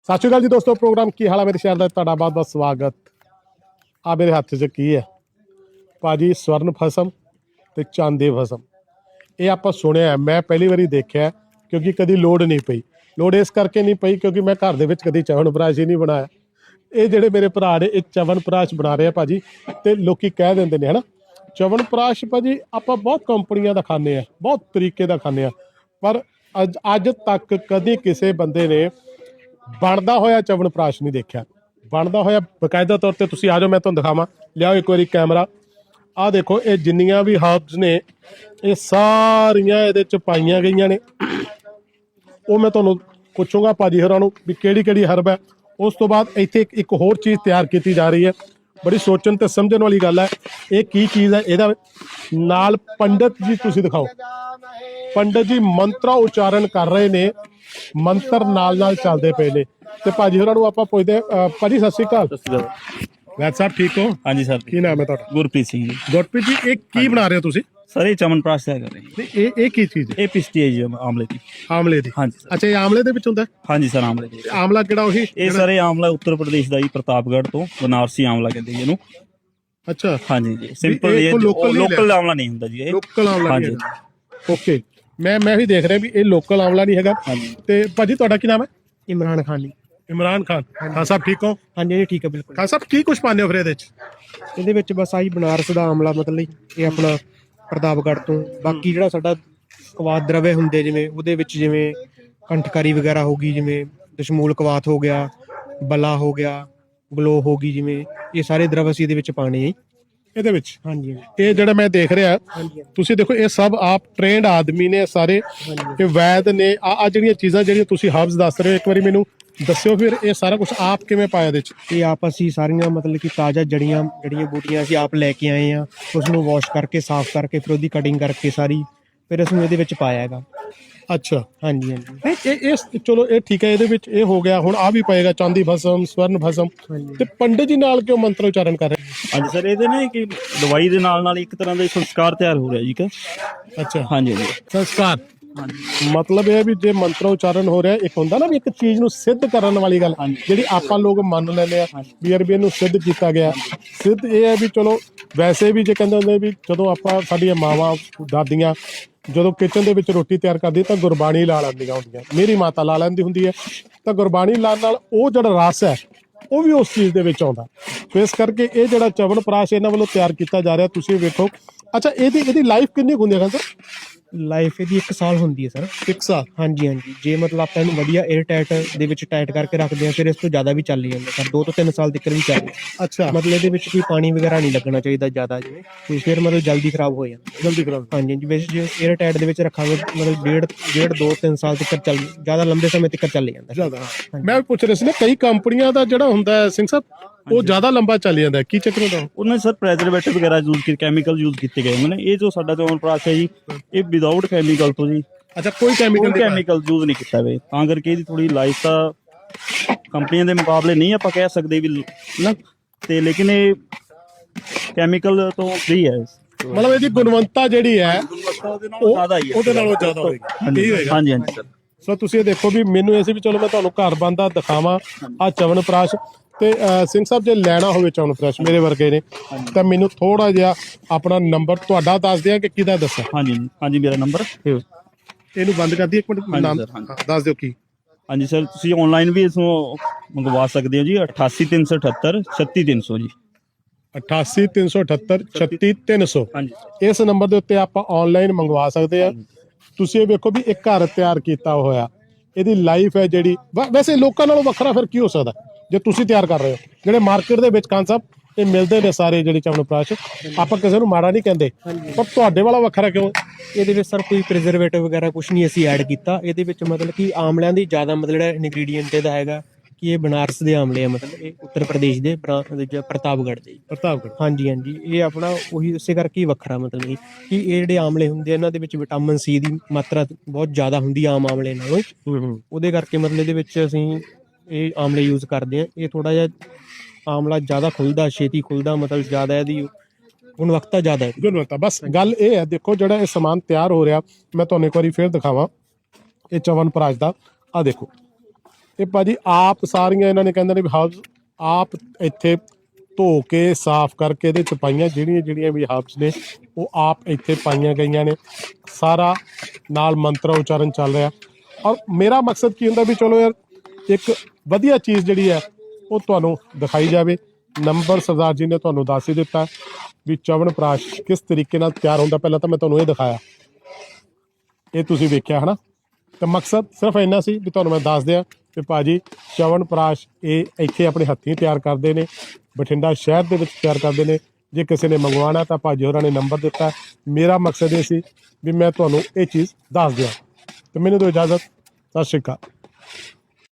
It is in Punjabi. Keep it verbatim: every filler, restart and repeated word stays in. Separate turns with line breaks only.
ਸਤਿ ਸ਼੍ਰੀ ਅਕਾਲ ਜੀ ਦੋਸਤੋ, ਪ੍ਰੋਗਰਾਮ ਕੀ ਹਾਲ ਹੈ ਮੇਰੇ ਸ਼ਹਿਰ ਦਾ ਤੁਹਾਡਾ ਬਹੁਤ ਬਹੁਤ ਸਵਾਗਤ। ਆ ਮੇਰੇ ਹੱਥ 'ਚ ਕੀ ਹੈ ਭਾਜੀ, ਸਵਰਨ ਫਸਮ ਤੇ ਚਾਂਦੀ ਫਸਮ। ਇਹ ਆਪਾਂ ਸੁਣਿਆ, ਮੈਂ ਪਹਿਲੀ ਵਾਰੀ ਦੇਖਿਆ ਕਿਉਂਕਿ ਕਦੀ ਲੋੜ ਨਹੀਂ ਪਈ। ਲੋੜ ਇਸ ਕਰਕੇ ਨਹੀਂ ਪਈ ਕਿਉਂਕਿ ਮੈਂ ਘਰ ਦੇ ਵਿੱਚ ਕਦੀ ਚਵਨਪ੍ਰਾਸ਼ ਹੀ ਨਹੀਂ ਬਣਾਇਆ। ਇਹ ਜਿਹੜੇ ਮੇਰੇ ਭਰਾ ਨੇ ਇਹ ਚਵਨਪ੍ਰਾਸ਼ ਬਣਾ ਰਹੇ ਆ ਭਾਜੀ, ਤੇ ਲੋਕੀ ਕਹਿ ਦਿੰਦੇ ਨੇ ਹਨਾ ਚਵਨਪ੍ਰਾਸ਼ ਭਾਜੀ ਆਪਾਂ ਬਹੁਤ ਕੰਪਨੀਆਂ ਦਾ ਖਾਂਦੇ ਆ, ਬਹੁਤ ਤਰੀਕੇ ਦਾ ਖਾਂਦੇ ਆ, ਪਰ ਅੱਜ ਅੱਜ ਤੱਕ ਕਦੀ ਕਿਸੇ ਬੰਦੇ ਨੇ ਬਣਦਾ ਹੋਇਆ ਚਵਨਪ੍ਰਾਸ਼ ਨਹੀਂ ਦੇਖਿਆ। ਬਣਦਾ ਹੋਇਆ ਬਕਾਇਦਾ ਤੌਰ ਤੇ ਤੁਸੀਂ ਆ ਜਾਓ, ਮੈਂ ਤੁਹਾਨੂੰ ਦਿਖਾਵਾਂ। ਲਿਆਓ ਇੱਕ ਵਾਰੀ ਕੈਮਰਾ। ਆਹ ਦੇਖੋ, ਇਹ ਜਿੰਨੀਆਂ ਵੀ ਹਰਬਸ ਨੇ ਇਹ ਸਾਰੀਆਂ ਇਹਦੇ ਚ ਪਾਈਆਂ ਗਈਆਂ ਨੇ। ਉਹ ਮੈਂ ਤੁਹਾਨੂੰ ਪੁੱਛੂੰਗਾ ਭਾਜੀ ਹੋਰਾਂ ਨੂੰ ਵੀ ਕਿਹੜੀ ਕਿਹੜੀ ਹਰਬ ਹੈ। ਉਸ ਤੋਂ ਬਾਅਦ ਇੱਥੇ ਇੱਕ ਇੱਕ ਹੋਰ ਚੀਜ਼ ਤਿਆਰ ਕੀਤੀ ਜਾ ਰਹੀ ਹੈ, ਬੜੀ ਸੋਚਣ ਤੇ ਸਮਝਣ ਵਾਲੀ ਗੱਲ ਹੈ। ਇਹ ਕੀ ਚੀਜ਼ ਹੈ? ਇਹਦਾ ਨਾਲ ਪੰਡਤ ਜੀ ਤੁਸੀਂ ਦਿਖਾਓ। ਪੰਡਤ ਜੀ ਮੰਤਰਾ ਉਚਾਰਨ ਕਰ ਰਹੇ ਨੇ, ਮੰਤਰ ਨਾਲ ਨਾਲ ਚੱਲਦੇ ਪਏ ਨੇ। ਤੇ ਭਾਜੀ ਹੋਰਾਂ ਨੂੰ ਆਪਾਂ ਪੁੱਛਦੇ ਹਾਂ। ਭਾਜੀ ਸਤਿ ਸ਼੍ਰੀ ਅਕਾਲ। ਵੈਦ ਸਾਹਿਬ ਠੀਕ ਹੋ?
ਹਾਂਜੀ ਸਰ।
ਕੀ ਨਾਮ ਹੈ ਤੁਹਾਡਾ?
ਗੁਰਪ੍ਰੀਤ ਸਿੰਘ ਜੀ।
ਗੁਰਪ੍ਰੀਤ ਜੀ, ਇਹ ਕੀ ਬਣਾ ਰਹੇ ਹੋ ਤੁਸੀਂ?
ਸਰ ਇਹ ਚਮਨਪ੍ਰਾਸ਼ ਤਿਆਰ ਕਰ ਰਹੇ ਜੀ।
ਤੇ ਇਹ ਇਹ ਕੀ ਚੀਜ਼ ਹੈ?
ਇਹ ਪਿਸਤੀ ਹੈ ਜੀ ਆਮਲੇ ਦੀ।
ਆਮਲੇ ਦੀ?
ਹਾਂਜੀ ਸਰ।
ਅੱਛਾ, ਇਹ ਆਮਲੇ ਦੇ ਵਿੱਚ ਹੁੰਦਾ?
ਹਾਂਜੀ ਸਰ, ਆਮਲੇ ਦੀ।
ਆਮਲਾ ਕਿਹੜਾ? ਉਹੀ
ਇਹ ਸਰ ਇਹ ਆਮਲਾ ਉੱਤਰ ਪ੍ਰਦੇਸ਼ ਦਾ ਜੀ, ਪ੍ਰਤਾਪਗੜ੍ਹ ਤੋਂ। ਬਨਾਰਸੀ ਆਮਲਾ ਕਹਿੰਦੇ ਜੀ ਇਹਨੂੰ।
ਅੱਛਾ
ਹਾਂਜੀ ਜੀ, ਸਿੰਪਲ
ਇਹ
ਇਹ
ਲੋਕਲ
ਲੋਕਲ ਆਮਲਾ ਨਹੀਂ ਹੁੰਦਾ ਜੀ ਇਹ।
ਲੋਕਲ ਆਮਲਾ
ਹਾਂਜੀ।
ਓਕੇ, ਮੈਂ ਮੈਂ ਵੀ ਦੇਖ ਰਿਹਾ ਵੀ ਇਹ ਲੋਕਲ ਆਮਲਾ ਨਹੀਂ ਹੈਗਾ।
ਹਾਂਜੀ।
ਤੇ ਭਾਜੀ ਤੁਹਾਡਾ ਕੀ ਨਾਮ ਹੈ?
ਇਮਰਾਨ ਖਾਨ ਜੀ।
ਇਮਰਾਨ ਖਾਨ। ਖਾਨ ਸਾਹਿਬ ਠੀਕ ਹੋ?
ਹਾਂਜੀ ਜੀ ਠੀਕ ਹੈ ਬਿਲਕੁਲ।
ਖਾਨ ਸਾਹਿਬ ਕੀ ਕੁਝ ਪਾਉਂਦੇ ਹੋ ਫਿਰ ਇਹਦੇ ਚ?
ਇਹਦੇ ਵਿੱਚ ਬਸ ਆਹੀ ਬਨਾਰਸ ਦਾ ਆਮਲਾ, ਮਤਲਬ ਇਹ ਆਪਣਾ ਪ੍ਰਤਾਪਗੜ੍ਹ ਤੋਂ। ਬਾਕੀ ਜਿਹੜਾ ਸਾਡਾ ਕਵਾਤ ਦਰਵੇ ਹੁੰਦੇ, ਜਿਵੇਂ ਉਹਦੇ ਵਿੱਚ ਜਿਵੇਂ ਕੰਠਕਾਰੀ ਵਗੈਰਾ ਹੋ ਗਈ, ਜਿਵੇਂ ਦਸ਼ਮੂਲ ਕਵਾਤ ਹੋ ਗਿਆ, ਬਲਾ ਹੋ ਗਿਆ, ਗਲੋ ਹੋ ਗਈ, ਜਿਵੇਂ ਇਹ ਸਾਰੇ ਦਰਵ ਅਸੀਂ ਇਹਦੇ ਵਿੱਚ ਪਾਣੇ ਆ
ਇਹਦੇ ਵਿੱਚ।
ਹਾਂਜੀ
ਇਹ ਜਿਹੜਾ ਮੈਂ ਦੇਖ ਰਿਹਾ, ਤੁਸੀਂ ਦੇਖੋ ਇਹ ਸਭ ਆਪ ਟ੍ਰੇਨਡ ਆਦਮੀ ਨੇ ਸਾਰੇ, ਇਹ ਵੈਦ ਨੇ। ਆ ਜਿਹੜੀਆਂ ਚੀਜ਼ਾਂ ਜਿਹੜੀਆਂ ਤੁਸੀਂ ਹਰਬਸ ਦੱਸ ਰਹੇ ਹੋ, ਇੱਕ ਵਾਰੀ ਮੈਨੂੰ ਦੱਸਿਓ ਫਿਰ ਇਹ ਸਾਰਾ ਕੁਝ ਆਪ ਕਿਵੇਂ ਪਾਇਆ ਇਹਦੇ ਚ?
ਇਹ ਆਪ ਅਸੀਂ ਸਾਰੀਆਂ ਮਤਲਬ ਕਿ ਤਾਜ਼ਾ ਜੜੀਆਂ ਜੜੀਆਂ ਬੂਟੀਆਂ ਅਸੀਂ ਆਪ ਲੈ ਕੇ ਆਏ ਆ। ਉਸ ਨੂੰ ਵਾਸ਼ ਕਰਕੇ, ਸਾਫ਼ ਕਰਕੇ, ਫਿਰ ਉਹਦੀ ਕਟਿੰਗ ਕਰਕੇ ਸਾਰੀ, ਫਿਰ ਅਸੀਂ ਇਹਦੇ ਵਿੱਚ ਪਾਇਆ ਹੈਗਾ।
ਅੱਛਾ।
ਹਾਂਜੀ ਹਾਂਜੀ।
ਨਹੀਂ ਇਹ ਇਹ ਚਲੋ ਇਹ ਠੀਕ ਹੈ, ਇਹਦੇ ਵਿੱਚ ਇਹ ਹੋ ਗਿਆ। ਹੁਣ ਆ ਵੀ ਪਏਗਾ ਚਾਂਦੀ ਭਸਮ, ਸਵਰਨ ਭਸਮ। ਤੇ ਪੰਡਿਤ ਜੀ ਨਾਲ ਕਿਉਂ ਮੰਤਰ ਉਚਾਰਨ ਕਰ ਰਹੇ?
ਹਾਂਜੀ ਸਰ, ਇਹਦੇ ਨਾ ਕਿ ਦਵਾਈ ਦੇ ਨਾਲ ਨਾਲ ਇੱਕ ਤਰ੍ਹਾਂ ਦਾ ਸੰਸਕਾਰ ਤਿਆਰ ਹੋ ਰਿਹਾ ਜੀ ਕਿ।
ਅੱਛਾ।
ਹਾਂਜੀ ਹਾਂਜੀ।
ਸੰਸਕਾਰ ਮਤਲਬ ਇਹ ਵੀ ਜੇ ਮੰਤਰ ਉਚਾਰਨ ਹੋ ਰਿਹਾ, ਇੱਕ ਹੁੰਦਾ ਨਾ ਵੀ ਇੱਕ ਚੀਜ਼ ਨੂੰ ਸਿੱਧ ਕਰਨ ਵਾਲੀ ਗੱਲ, ਜਿਹੜੀ ਆਪਾਂ ਲੋਕ ਮੰਨ ਲੈਂਦੇ ਆ ਵੀ ਯਾਰ ਵੀ ਇਹਨੂੰ ਸਿੱਧ ਕੀਤਾ ਗਿਆ। ਸਿੱਧ ਇਹ ਹੈ ਵੀ ਚਲੋ ਵੈਸੇ ਵੀ ਜੇ ਕਹਿੰਦੇ ਹੁੰਦੇ ਵੀ ਜਦੋਂ ਆਪਾਂ ਸਾਡੀਆਂ ਮਾਵਾਂ ਦਾਦੀਆਂ ਜਦੋਂ ਕਿਚਨ ਦੇ ਵਿੱਚ ਰੋਟੀ ਤਿਆਰ ਕਰਦੀ ਤਾਂ ਗੁਰਬਾਣੀ ਲਾ ਲੈਂਦੀਆਂ ਹੁੰਦੀਆਂ। ਮੇਰੀ ਮਾਤਾ ਲਾ ਲੈਂਦੀ ਹੁੰਦੀ ਹੈ। ਤਾਂ ਗੁਰਬਾਣੀ ਲਾਉਣ ਨਾਲ ਉਹ ਜਿਹੜਾ ਰਸ ਹੈ ਉਹ ਵੀ ਉਸ ਚੀਜ਼ ਦੇ ਵਿੱਚ ਆਉਂਦਾ। ਸੋ ਇਸ ਕਰਕੇ ਇਹ ਜਿਹੜਾ ਚਵਨਪ੍ਰਾਸ਼ ਇਹਨਾਂ ਵੱਲੋਂ ਤਿਆਰ ਕੀਤਾ ਜਾ ਰਿਹਾ, ਤੁਸੀਂ ਵੇਖੋ। ਅੱਛਾ, ਇਹਦੀ ਇਹਦੀ ਲਾਈਫ ਕਿੰਨੀ ਹੁੰਦੀ ਹੈ ਸਰ?
ਲਾਈਫ ਇਹਦੀ ਇੱਕ ਸਾਲ ਹੁੰਦੀ ਹੈ ਸਰ।
ਇੱਕ ਸਾਲ? ਹਾਂਜੀ
ਹਾਂਜੀ। ਜੇ ਮਤਲਬ ਆਪਾਂ ਇਹਨੂੰ ਵਧੀਆ 에ਅਰ ਟਾਈਟ ਦੇ ਵਿੱਚ ਟਾਈਟ ਕਰਕੇ ਰੱਖਦੇ ਹਾਂ, ਫਿਰ ਇਸ ਤੋਂ ਜ਼ਿਆਦਾ ਵੀ ਚੱਲ ਜਾਂਦਾ ਸਰ। ਦੋ ਤੋਂ ਤਿੰਨ ਸਾਲ ਤੱਕ ਵੀ ਚੱਲਦਾ।
ਅੱਛਾ।
ਮਤਲਬ ਇਹਦੇ ਵਿੱਚ ਕੋਈ ਪਾਣੀ ਵਗੈਰਾ ਨਹੀਂ ਲੱਗਣਾ ਚਾਹੀਦਾ ਜ਼ਿਆਦਾ, ਜਿਵੇਂ ਤੇ ਫਿਰ ਮਤਲਬ ਜਲਦੀ ਖਰਾਬ ਹੋ ਜਾਂਦਾ।
ਜਲਦੀ ਖਰਾਬ?
ਹਾਂਜੀ ਹਾਂਜੀ। ਵੈਸੇ ਜੇ 에ਅਰ ਟਾਈਟ ਦੇ ਵਿੱਚ ਰੱਖਾਂਗੇ ਮਤਲਬ ਡੇਢ ਡੇਢ ਦੋ ਤਿੰਨ ਸਾਲ ਤੱਕ ਚੱਲ, ਜ਼ਿਆਦਾ ਲੰਬੇ ਸਮੇਂ ਤੱਕ ਚੱਲ ਜਾਂਦਾ
ਜ਼ਿਆਦਾ। ਮੈਂ ਵੀ ਪੁੱਛ ਰਿਹਾ ਸੀ ਨਾ, ਕਈ ਕੰਪਨੀਆਂ ਦਾ ਜਿਹੜਾ ਹੁੰਦਾ ਹੈ ਸਿੰਘ ਸਾਹਿਬ, ਉਹ ਜ਼ਿਆਦਾ ਲੰਬਾ ਚੱਲ ਜਾਂਦਾ, ਕੀ ਚੱਕਰ ਹੁੰਦਾ?
ਉਹਨਾਂ ਸਰ ਪ੍ਰੈਜ਼ਰਵੇਟਿਵ ਵਗੈਰਾ ਯੂਜ਼ ਕੀਤੇ, ਕੈਮੀਕਲ ਯੂਜ਼ ਕੀਤੇ ਗਏ ਨੇ। ਇਹ ਜੋ ਸਾਡਾ ਚਵਨਪ੍ਰਾਸ਼ ਹੈ ਜੀ, ਇਹ ਵਿਦਆਊਟ ਕੈਮੀਕਲ ਤੋਂ ਜੀ।
ਅੱਛਾ, ਕੋਈ ਕੈਮੀਕਲ
ਕੈਮੀਕਲ ਯੂਜ਼ ਨਹੀਂ ਕੀਤਾ ਵੇ, ਤਾਂ ਕਰਕੇ ਇਹਦੀ ਥੋੜੀ ਲਾਈਫ ਤਾਂ ਕੰਪਨੀਆਂ ਦੇ ਮੁਕਾਬਲੇ ਨਹੀਂ ਆਪਾਂ ਕਹਿ ਸਕਦੇ ਵੀ ਨਾ, ਤੇ ਲੇਕਿਨ ਇਹ ਕੈਮੀਕਲ ਤੋਂ ਫ੍ਰੀ ਹੈ।
ਮਤਲਬ ਇਹਦੀ ਗੁਣਵੱਤਾ ਜਿਹੜੀ ਹੈ ਉਹ
ਜ਼ਿਆਦਾ ਹੀ ਹੈ,
ਉਹਦੇ ਨਾਲੋਂ ਜ਼ਿਆਦਾ ਹੋਏਗੀ।
ਹਾਂਜੀ ਹਾਂਜੀ ਹਾਂਜੀ ਸਰ।
ਸੋ ਤੁਸੀਂ ਇਹ ਦੇਖੋ ਵੀ ਮੈਨੂੰ ਇਹ ਸੀ ਵੀ ਚਲੋ ਮੈਂ ਤੁਹਾਨੂੰ ਘਰ ਬੰਦਾ ਦਿਖਾਵਾਂ ਆ ਚਵਨਪ੍ਰਾਸ਼। ਤੇ ਸਿੰਘ ਸਾਹਿਬ ਜੇ ਲੈਣਾ ਹੋਵੇ ਚਵਨਪ੍ਰਾਸ਼ ਮੇਰੇ ਵਰਗੇ ਨੇ ਤਾਂ ਮੈਨੂੰ ਥੋੜਾ ਜਿਹਾ ਆਪਣਾ ਨੰਬਰ ਤੁਹਾਡਾ ਦੱਸ ਦਿਆਂ ਕਿ ਕਿਹਦਾ ਦੱਸਾਂ?
ਹਾਂਜੀ ਹਾਂਜੀ, ਮੇਰਾ ਨੰਬਰ
ਇਹਨੂੰ ਬੰਦ ਕਰ ਦਈਏ ਇੱਕ ਮਿੰਟ, ਨਾਮ ਦੱਸ ਦਿਓ ਕੀ?
ਹਾਂਜੀ ਸਰ, ਤੁਸੀਂ ਆਨਲਾਈਨ ਵੀ ਇਸ ਨੂੰ ਮੰਗਵਾ ਸਕਦੇ ਹੋ ਜੀ। ਅਠਾਸੀ ਤਿੰਨ ਸੌ ਅਠੱਤਰ ਛੱਤੀ ਤਿੰਨ ਸੌ ਜੀ।
ਅਠਾਸੀ ਤਿੰਨ ਸੌ ਅਠੱਤਰ ਛੱਤੀ ਤਿੰਨ ਸੌ।
ਹਾਂਜੀ।
ਇਸ ਨੰਬਰ ਦੇ ਉੱਤੇ ਆਪਾਂ ਆਨਲਾਈਨ ਮੰਗਵਾ ਸਕਦੇ ਆ। ਤੁਸੀਂ ਇਹ ਵੇਖੋ ਵੀ ਇੱਕ ਘਰ ਤਿਆਰ ਕੀਤਾ ਹੋਇਆ, ਇਹਦੀ ਲਾਈਫ ਹੈ ਜਿਹੜੀ। ਵੈਸੇ ਲੋਕਾਂ ਨਾਲੋਂ ਵੱਖਰਾ ਫਿਰ ਕੀ ਹੋ ਸਕਦਾ ਜੇ ਤੁਸੀਂ ਤਿਆਰ ਕਰ ਰਹੇ ਹੋ? ਜਿਹੜੇ ਮਾਰਕੀਟ ਦੇ ਵਿੱਚ ਖਾਨ ਸਾਹਿਬ ਇਹ ਮਿਲਦੇ ਨੇ ਸਾਰੇ ਜਿਹੜੇ ਚਵਨਪ੍ਰਾਸ਼, ਆਪਾਂ ਕਿਸੇ ਨੂੰ ਮਾੜਾ ਨਹੀਂ ਕਹਿੰਦੇ, ਪਰ ਤੁਹਾਡੇ ਵਾਲਾ ਵੱਖਰਾ ਕਿਉਂ?
ਇਹਦੇ ਵਿੱਚ ਸਰ ਕੋਈ ਪ੍ਰੀਜ਼ਰਵੇਟਿਵ ਵਗੈਰਾ ਕੁਝ ਨਹੀਂ ਅਸੀਂ ਐਡ ਕੀਤਾ। ਇਹਦੇ ਵਿੱਚ ਮਤਲਬ ਕਿ ਆਮਲਿਆਂ ਦੀ ਜ਼ਿਆਦਾ ਮਤਲਬ ਜਿਹੜਾ ਇਨਗਰੀਡੀਐਂਟ ਇਹਦਾ ਹੈਗਾ ਕਿ ਇਹ ਬਨਾਰਸ ਦੇ ਆਮਲੇ ਆ, ਮਤਲਬ ਇਹ ਉੱਤਰ ਪ੍ਰਦੇਸ਼ ਦੇ ਪ੍ਰਤਾਪਗੜ੍ਹ ਦੇ।
ਪ੍ਰਤਾਪਗੜ੍ਹ? ਹਾਂਜੀ
ਹਾਂਜੀ। ਇਹ ਆਪਣਾ ਉਹੀ ਇਸੇ ਕਰਕੇ ਵੱਖਰਾ, ਮਤਲਬ ਕਿ ਇਹ ਜਿਹੜੇ ਆਮਲੇ ਹੁੰਦੇ ਆ ਇਹਨਾਂ ਦੇ ਵਿੱਚ ਵਿਟਾਮਿਨ ਸੀ ਦੀ ਮਾਤਰਾ ਬਹੁਤ ਜ਼ਿਆਦਾ ਹੁੰਦੀ ਆ ਆਮ ਆਮਲੇ ਨਾਲੋਂ। ਉਹਦੇ ਕਰਕੇ ਮਤਲਬ ਇਹਦੇ ਵਿੱਚ ਅਸੀਂ ਇਹ ਆਮਲੇ ਯੂਜ਼ ਕਰਦੇ ਆ। ਇਹ ਥੋੜਾ ਜਿਹਾ ਆਮਲਾ ਜ਼ਿਆਦਾ ਖੁੱਲਦਾ, ਛੇਤੀ ਖੁੱਲਦਾ, ਮਤਲਬ ਜ਼ਿਆਦਾ ਇਹਦੀ ਗੁਣਵੱਤਾ ਜ਼ਿਆਦਾ ਹੈ।
ਗੁਣਵੱਤਾ ਬਸ ਗੱਲ ਇਹ ਹੈ। ਦੇਖੋ ਜਿਹੜਾ ਇਹ ਸਮਾਨ ਤਿਆਰ ਹੋ ਰਿਹਾ, ਮੈਂ ਤੁਹਾਨੂੰ ਇੱਕ ਵਾਰੀ ਫਿਰ ਦਿਖਾਵਾਂ ਇਹ ਚਵਨਪ੍ਰਾਸ਼ ਦਾ। ਆ ਦੇਖੋ, ਇਹ ਭਾਜੀ ਆਪ ਸਾਰੀਆਂ ਇਹਨਾਂ ਨੇ ਕਹਿੰਦੇ ਨੇ ਵੀ ਹਬਸ ਆਪ ਇੱਥੇ ਧੋ ਕੇ ਸਾਫ਼ ਕਰਕੇ ਇਹਦੇ ਚ ਪਾਈਆਂ, ਜਿਹੜੀਆਂ ਜਿਹੜੀਆਂ ਵੀ ਹਬਸ ਨੇ ਉਹ ਆਪ ਇੱਥੇ ਪਾਈਆਂ ਗਈਆਂ ਨੇ। ਸਾਰਾ ਨਾਲ ਮੰਤਰ ਉਚਾਰਨ ਚੱਲ ਰਿਹਾ। ਔਰ ਮੇਰਾ ਮਕਸਦ ਕੀ ਹੁੰਦਾ ਵੀ ਚਲੋ ਯਾਰ ਇੱਕ ਵਧੀਆ ਚੀਜ਼ ਜਿਹੜੀ ਹੈ ਉਹ ਤੁਹਾਨੂੰ ਦਿਖਾਈ ਜਾਵੇ। ਨੰਬਰ ਸਰਦਾਰ ਜੀ ਨੇ ਤੁਹਾਨੂੰ ਦੱਸ ਹੀ ਦਿੱਤਾ ਵੀ ਚਵਨ ਪ੍ਰਾਸ਼ ਕਿਸ ਤਰੀਕੇ ਨਾਲ ਤਿਆਰ ਹੁੰਦਾ। ਪਹਿਲਾਂ ਤਾਂ ਮੈਂ ਤੁਹਾਨੂੰ ਇਹ ਦਿਖਾਇਆ, ਇਹ ਤੁਸੀਂ ਵੇਖਿਆ ਹੈ ਨਾ। ਤੇ ਮਕਸਦ ਸਿਰਫ ਇੰਨਾ ਸੀ ਵੀ ਤੁਹਾਨੂੰ ਮੈਂ ਦੱਸ ਦਿਆਂ ਕਿ ਭਾਜੀ ਚਵਨ ਪ੍ਰਾਸ਼ ਇਹ ਇੱਥੇ ਆਪਣੇ ਹੱਥੀਂ ਤਿਆਰ ਕਰਦੇ ਨੇ, ਬਠਿੰਡਾ ਸ਼ਹਿਰ ਦੇ ਵਿੱਚ ਤਿਆਰ ਕਰਦੇ ਨੇ। ਜੇ ਕਿਸੇ ਨੇ ਮੰਗਵਾਉਣਾ ਤਾਂ ਭਾਜੀ ਹੋਰਾਂ ਨੇ ਨੰਬਰ ਦਿੱਤਾ। ਮੇਰਾ ਮਕਸਦ ਇਹ ਸੀ ਵੀ ਮੈਂ ਤੁਹਾਨੂੰ ਇਹ ਚੀਜ਼ ਦੱਸ ਦਿਆਂ। ਤੇ ਮੈਨੂੰ ਦਿਓ ਇਜਾਜ਼ਤ। ਸਤਿ ਸ਼੍ਰੀ ਅਕਾਲ।